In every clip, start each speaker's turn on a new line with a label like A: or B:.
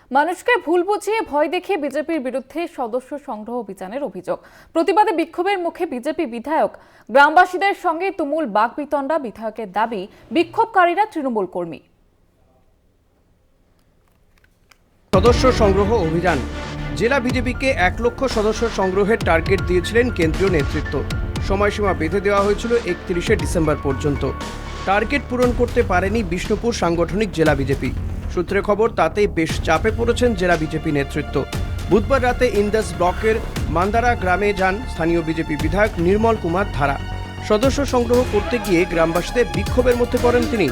A: মানুষকে ভুল বুঝিয়ে ভয় দেখিয়ে বিজেপির বিরুদ্ধে সদস্য সংগ্রহ অভিযানের অভিযোগ। প্রতিবাদে বিক্ষোভের মুখে বিজেপি বিধায়ক, গ্রামবাসীদের সঙ্গে তুমুল বাকবিতণ্ডা। বিধায়কের দাবি, বিক্ষোভকারীরা তৃণমূল কর্মী।
B: সদস্য সংগ্রহ অভিযান। জেলা বিজেপিকে 1 লক্ষ সদস্য সংগ্রহের টার্গেট দিয়েছিলেন কেন্দ্রীয় নেতৃত্ব। সময়সীমা বেঁধে দেওয়া হয়েছিল 31শে ডিসেম্বর পর্যন্ত। টার্গেট পূরণ করতে পারেনি বিষ্ণুপুর সাংগঠনিক জেলা বিজেপি। সূত্রে খবর, তাতেই বেশ চাপে পড়েছেন জেলা বিজেপি নেতৃত্ব। বুধবার রাতে ইন্দাস ব্লকের মান্দারা গ্রামে যান স্থানীয় বিজেপি বিধায়ক নির্মল কুমার ধারা। সদস্য সংগ্রহ করতে গিয়ে গ্রামবাসীদের বিক্ষোভের মধ্যে পড়েন তিনি।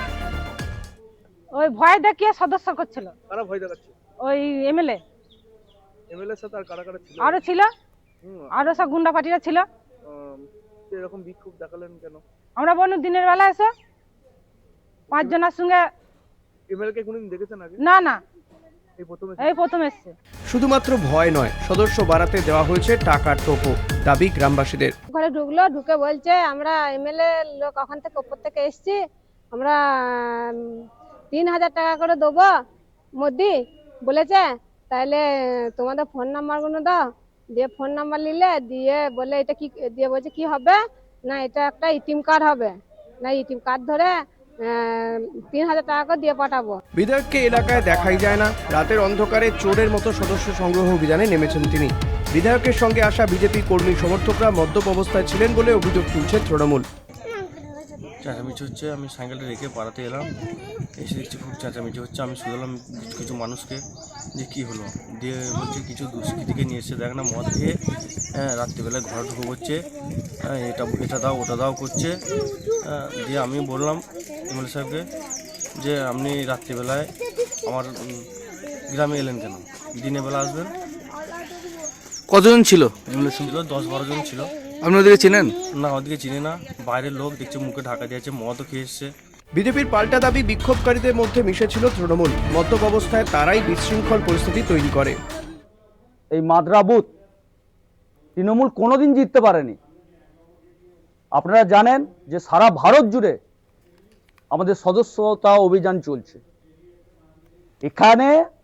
C: ওই ভয় দেখিয়ে সদস্য করছিল।
D: কারা ভয় দেখাচ্ছে?
C: ওই এমএলএ
D: সাথে আর কারা কারা ছিল?
C: আরো ছিল, আরো সব গুন্ডা পার্টিরা ছিল।
D: এরকম বিক্ষোভ দেখালেন কেন?
C: আমরা বলুন দিনের বেলা এসে 5 জনের সঙ্গে।
D: এমএলএ কে কোনদিন দেখেছেন আগে?
C: না না,
D: এই
C: প্রথম এসছে।
B: শুধুমাত্র ভয় নয়, সদস্য বাড়াতে দেওয়া হয়েছে টাকার টোপও। দাবি গ্রামবাসীদের।
E: ঘরে ঢুকলো, ঢুকে বলছে আমরা এমএলএ লোক ওখান থেকে উপর থেকে এসছি, আমরা 3000 টাকা করে দেবো মোদি বলেছে, তাহলে তোমাদের ফোন নাম্বারগুলো দাও। দিয়ে ফোন নাম্বার নিলে, দিয়ে বলে এটা কি, দিয়ে বলছে কি হবে না, এটা একটা এটিএম কার্ড হবে না, এটিএম কার্ড ধরে 3000 টাকা করে দিয়ে পাঠাবো।
B: বিধায়ককে এলাকায় দেখাই যায় না। রাতের অন্ধকারে চোরের মতো সদস্য সংগ্রহ অভিযানে নেমেছেন তিনি। বিধায়কের সঙ্গে আসা বিজেপি কর্মী সমর্থকরা মদ্যপ অবস্থায় ছিলেন বলে অভিযোগ তুলছে তৃণমূল।
F: চেঁচামেচি হচ্ছে, আমি সাইকেলটা রেখে পাড়াতে এলাম, এসে দেখছি খুব চেঁচামেচি হচ্ছে। আমি শুনলাম কিছু মানুষকে যে কী হলো, দিয়ে বলছে কিছু দুষ্কৃতীকে নিয়ে এসে দেখ না মদ খেয়ে রাত্রিবেলায় ঘরে ঢুকে পড়ছে, এটা দাও ওটা দাও করছে। দিয়ে আমি বললাম এমএলএ সাহেবকে যে আপনি রাত্রিবেলায় আমার গ্রামে এলেন কেন, দিনের বেলা আসবেন।
G: কতজন ছিল?
F: ছিল 10-12 জন ছিল।
G: আপনি ওদেরকে চেনেন?
F: না, ওদিকে চিনি না, বাইরের লোক দেখছে, মুখে ঢাকা দিয়েছে, মদও খেয়ে এসছে।
B: বিজেপির পাল্টা দাবি, বিক্ষোভকারীদের মধ্যে মিশেছিল তৃণমূল। মদ্যপ অবস্থায় তারাই বিশৃঙ্খল পরিস্থিতি তৈরি করে।
H: এই মাদ্রা বুথ তৃণমূল কোনোদিন জিততে পারেনি। আপনারা জানেন যে সারা ভারত জুড়ে আমাদের সদস্যতা অভিযান চলছে। এখানে